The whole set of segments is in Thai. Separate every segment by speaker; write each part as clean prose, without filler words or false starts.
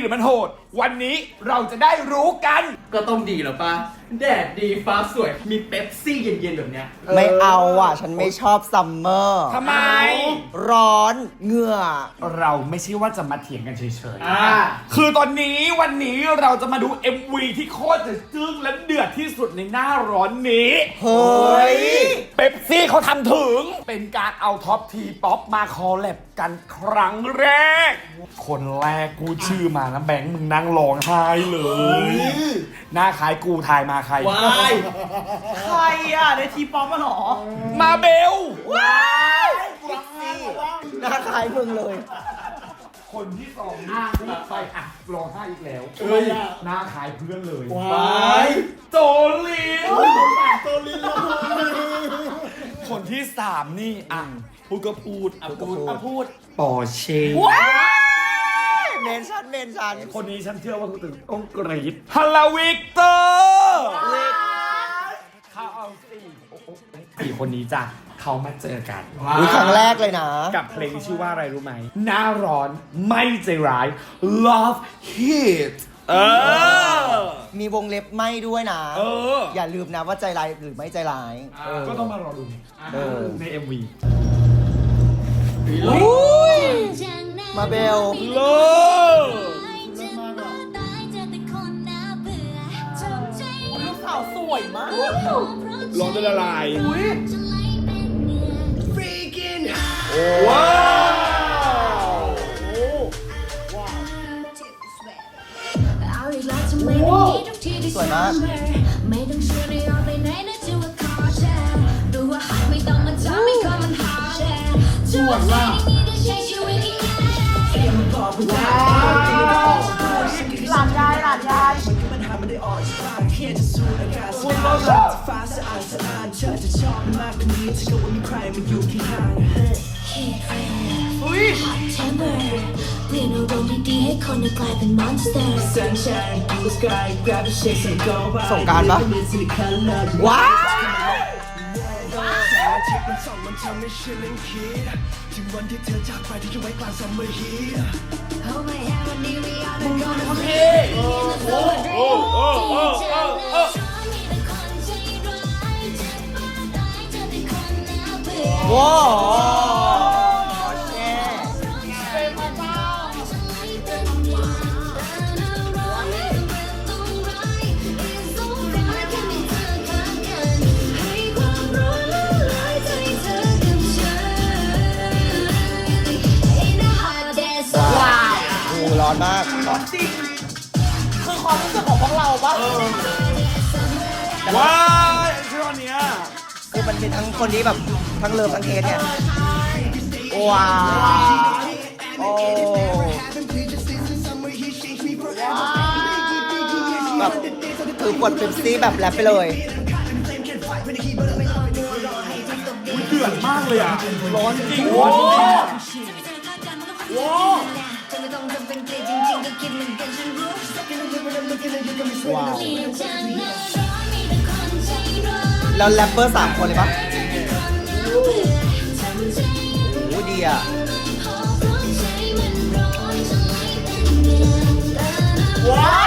Speaker 1: รือมันโหดวันนี้เราจะได้รู้กัน
Speaker 2: ก็ต้องดีแล้วปะแดดดีฟ้าสวยมีเป๊ปซี่เย็นๆแบบเนี้ย
Speaker 3: ไม่เอาอ่ะ ฉันไม่ชอบซัมเมอร์
Speaker 1: ทำไม
Speaker 3: ร้อนเหงื่อ
Speaker 1: เราไม่ใช่ว่าจะมาเถียงกันเฉยๆคือตอนนี้วันนี้เราจะมาดู MV ที่โคตรจะจึ้งและเดือดที่สุดในหน้าร้อนนี้
Speaker 3: เฮ้ย
Speaker 1: เป๊ปซี่เขาทำถึงเป็นการเอาท็อปทีป๊อปมาคอลแลบกันครั้งแรก คนแรกกูชื่อมานะแบงค์มึงนั่งร้องไห้เลย หน้าคล้ายกูทายมาใคร
Speaker 2: ว้าย
Speaker 4: ใครอ่ะในทีป๊อปมาหรอ
Speaker 1: มาเบล
Speaker 3: หน้าคล้ายมึงเลย
Speaker 1: คนที่สองไปอ่ะร้องไห้อีกแล้วหน้าคล้ายเพื่อนเลย
Speaker 2: ว้าย
Speaker 1: โจลินคนที่สามนี่อ่ะพูดก็พูด
Speaker 2: พูด
Speaker 1: ปอเช่
Speaker 3: เมนชัน
Speaker 1: คนนี้ฉันเชื่อว่าคุณตื่นต้องกรี๊ดฮัลโหลวิกเตอร์เขาเอาสี่คนนี้จ้ะเขามาเจอกัน
Speaker 3: อุ๊ยครั้งแรกเลยนะ
Speaker 1: กับเพลงที่ชื่อว่าอะไรรู้ไหมหน้าร้อนไม่ใจร้าย Love Hit
Speaker 3: มีวงเล็บไม่ด้วยนะ
Speaker 1: อ
Speaker 3: อย่าลืมนะว่าใจร้ายหรือไม่ใจร้าย
Speaker 1: ก็ต้องมารอดู ใน MV
Speaker 3: มาเบล
Speaker 1: เลิศ
Speaker 4: ลูกสาวสวยมาก
Speaker 1: ร้อนจะละลาย
Speaker 4: อุ้ย
Speaker 1: ว้าว
Speaker 3: สวยมาก
Speaker 5: ไม่ต้องชวนให้ออกไปไหนนะจะว่าขอแชร์ดูว่าหากไม่ต้องมาทำให้คนมันหาแชร์ชวนว่านี่จะใช้ชีวิตอีกแค่
Speaker 4: หลานยาย
Speaker 1: คุณรสอะ
Speaker 4: อุ้ย
Speaker 5: เปลี่ยนอารมณ์ดีๆให้คนกลายเป็นมอนสเตอร์
Speaker 3: ส่งกรารปะว้าวว้าวโอเคโอ้ร้อนมาก
Speaker 4: จริงคือความรู้สึกของพวกเราปะ
Speaker 1: ว้าวชื่ออันเนี้ย
Speaker 3: คือมันเป็นทั้งคนที่แบบทั้งเลิฟทั้งเทสเนี่ย ว้าวโอ้แบบถือขวดเป๊ปซี่แบบแรปไปเลย
Speaker 1: เดือดมากเลยอ่ะ ร้อนจริงร้อนจริง
Speaker 3: ว้าว แล้วแรปเปอร์3 คนเลยปะโอ้ดีอ่ะ
Speaker 4: ว้าว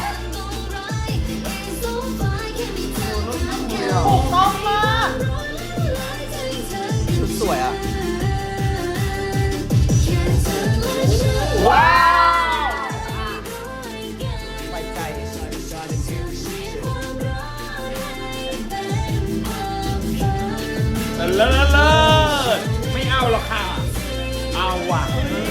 Speaker 4: ถูกต้องมาก
Speaker 3: ชุดสวยอ่ะ
Speaker 1: ว้าว
Speaker 3: ไปใจ
Speaker 1: เลิศไม่เอาหรอกค่ะ เอาว่ะ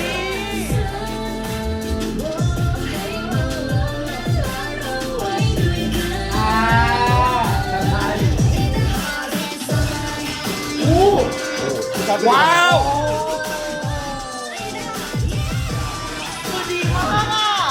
Speaker 1: ว้าว
Speaker 4: คือดีมากอ่ะ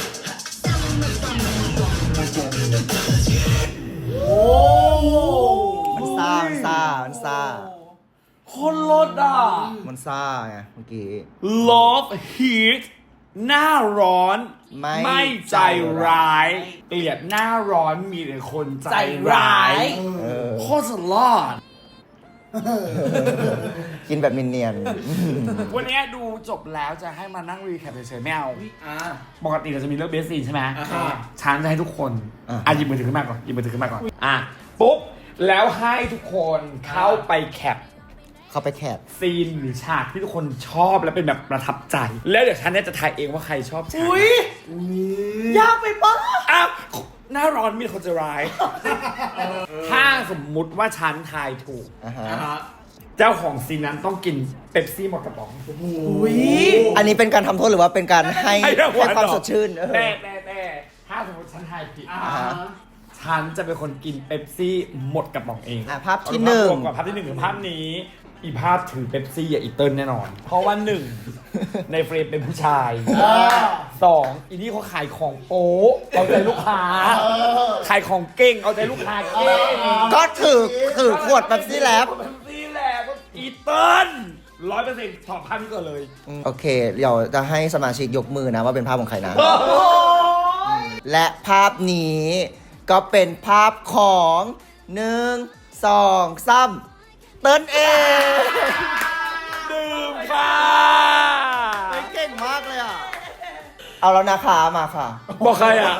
Speaker 3: มันซ่า
Speaker 1: คนรถอ่ะ
Speaker 3: มันซ่าไงเมื่อกี้
Speaker 1: Love Heat หน้าร้อน
Speaker 3: ไม่
Speaker 1: ใจร้าย เกลียดหน้าร้อนมีแต่คนใจร้าย
Speaker 3: เออ
Speaker 1: โคตรสลอด
Speaker 3: กินแบบเนียน
Speaker 1: วันนี้ดูจบแล้วจะให้มานั่งรีแคปเฉยๆไม่เอา
Speaker 2: อ่า
Speaker 1: ปกติเราจะมีเรื่องเบสซีนใช่ไหม
Speaker 2: อ่าฮะ
Speaker 1: ฉันจะให้ทุกคนหยิบมือถือขึ้นมาก่อนหยิบมือถือขึ้นมาก่อนปุ๊บแล้วให้ทุกคนเข้าไปแคป
Speaker 3: ๆเข้าไปแคบ
Speaker 1: ซีนหรือฉากที่ทุกคนชอบและเป็นแบบประทับใจ แล้วเดี๋ยวฉันเนี่ยจะทายเองว่าใครชอบฉาก
Speaker 4: อุ้ยยากไปปะ
Speaker 1: อ้าวหน้าร้อนมีคนจะร้าย ถ้าสมมุติว่าฉันทายถูก
Speaker 3: อ่าฮะ
Speaker 2: อ่าฮะ
Speaker 1: เจ้าของซีนนั้นต้องกินเป๊ปซี่หมดกระป๋อง
Speaker 4: อุ้ย
Speaker 3: อันนี้เป็นการทำโทษหรือว่าเป็นการให้
Speaker 1: ให้รางวัล
Speaker 3: ความ
Speaker 1: เหรอ
Speaker 3: สดชื่น
Speaker 1: แต่ถ้าสมมติฉันทายผิด
Speaker 2: อ่าฮะ
Speaker 1: ฉันจะเป็นคนกินเป๊ปซี่หมดกระป๋องเอง
Speaker 3: ภาพที่หนึ่ง
Speaker 1: เอาภาพรวมก่อนภาพที่หนึ่งคือภาพนี้ อีภาพถือเป๊ปซี่อีเติ้ลแน่นอน เพราะว่าหนึ่ง ในเฟรมเป็นผู้ชายสองอีนี่เขาขายของโป๊ะเอาใจลูกค้าขายของเก่งเอาใจลูกค้าเก่ง
Speaker 3: ก็ถือขวดแบบนี้แล้ว
Speaker 1: เป๊ปซี่แหละก็อีเติ้ล100%ถอดภาพนี้ก่อนเลย
Speaker 3: โอเค เดี๋ยวจะให้สมาชิกยกมือนะว่าเป็นภาพของใครนะ และภาพนี้ก็เป็นภาพของ1 2 3เติ้ลเอง
Speaker 1: ดื่มค่ะ
Speaker 3: เก่งมากเลยอ่ะ เอาแล้วนะคะมาค่ะ
Speaker 1: บอกใครอ่ะ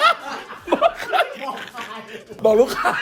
Speaker 1: บอกลูกค้า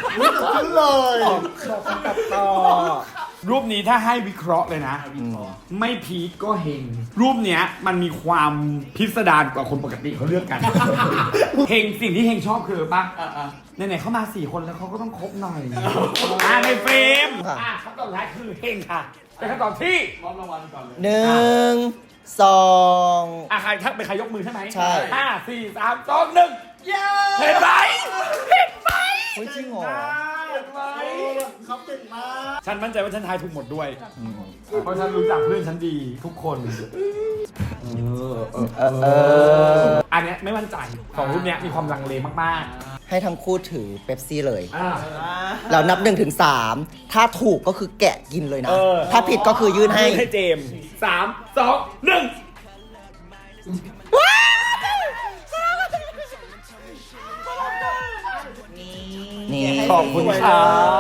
Speaker 3: ต่อ
Speaker 1: รูปนี้ถ้าให้วิเคราะห์เลยนะ ไม่พีคก็เฮงรูปเนี้ยมันมีความพิสดารกว่าคนปกติเขาเลือกกัน เฮงสิ่งที่เฮงชอบคือปะ
Speaker 2: อ่า
Speaker 1: ไหนๆเขามา4 คนแล้วเขาก็ต้องครบหน่อยในเฟรมคำตอบสุดท้ายคือเฮงค่ะเป็นคำตอบที่
Speaker 2: มอบรางวัลก่อนเลย
Speaker 3: 1 2
Speaker 1: ใครทักเป็นใครยกมือใช่ไหม
Speaker 3: ใช่
Speaker 1: 5 4 3 2 1เห็นไหมเห็นไหม
Speaker 3: เฮ้ยจริงเหรอ
Speaker 1: เห็นไหมเขาเก่งมากฉันมั่นใจว่าฉันทายถูกหมดด้วย เพราะฉันรู้จักเพื่อนฉันดีทุกคนอันเนี้ยไม่มั่นใจของรูปเนี้ยมีความลังเลมาก
Speaker 3: ให้ทั้งคู่ถือเป๊ปซี่เลย
Speaker 1: ๆ
Speaker 3: เรานับ1 ถึง 3ถ้าถูกก็คือแกะกินเลยนะ
Speaker 1: เออ
Speaker 3: ถ้าผิดก็คือยื่นให้
Speaker 1: ให้เจมส์3 2 1
Speaker 3: นี่
Speaker 1: ขอบคุณค่ะ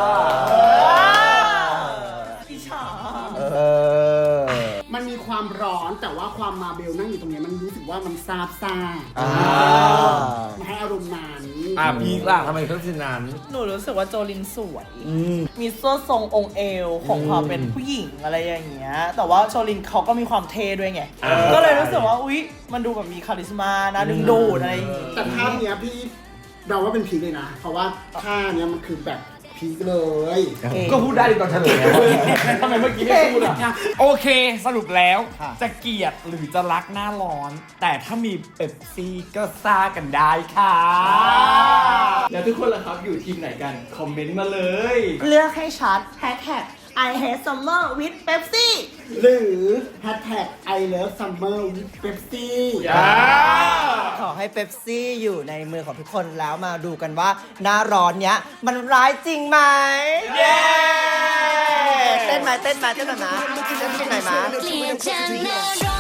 Speaker 4: พี่ฉา
Speaker 3: เออ
Speaker 6: มันมีความร้อนแต่ว่าความมาเบลนั่งอยู่ตรงเนี้ยมันรู้สึกว่ามันซาบซ่า
Speaker 3: อ่า
Speaker 6: มันให้อารมณ์นั้น
Speaker 1: พีคล่ะทำไมต้องสินนั้น
Speaker 4: หนูรู้สึกว่าโจลินสวย มีเสื้อทรงองค์เอวของความเป็นผู้หญิงอะไรอย่างเงี้ย แต่ว่าโจลินเขาก็มีความเท่ด้วยไง ก็เลยรู้สึกว่า อุ๊ย มันดูแบบมีคาริสมานะดึงดูดอะไรอย่างงี้
Speaker 6: แต่ภาพเนี้ยพี่เราว่าเป็นพีคเลยนะ เพราะว่าท่าเนี้ยมันคือแบบพีคเลย
Speaker 1: ก็พูดได้ตอนเฉลยทำไมเมื่อกี้ไม่พูดอ่ะ โอเคสรุปแล้วจะเกลียดหรือจะรักหน้าร้อน แต่ถ้ามีเป๊ปซี่ก็ซ่ากันได้ค่ะ
Speaker 2: แล้วทุกคนล่ะครับอยู่ทีมไหนกัน คอมเมนต์มาเลย
Speaker 4: เลือกให้ชัดแฮชแท็ก I hate summer with Pepsi
Speaker 6: หรือ #I love summer with Pepsi
Speaker 3: ขอให้เป๊ปซี่อยู่ในมือของทุกคนแล้วมาดูกันว่าหน้าร้อนเนี้ย มันร้ายจริงไหม
Speaker 1: เย้
Speaker 3: เต้นไหมเต้นไหมเต้นไหมเต้นไหม
Speaker 5: เกลียดจังนะ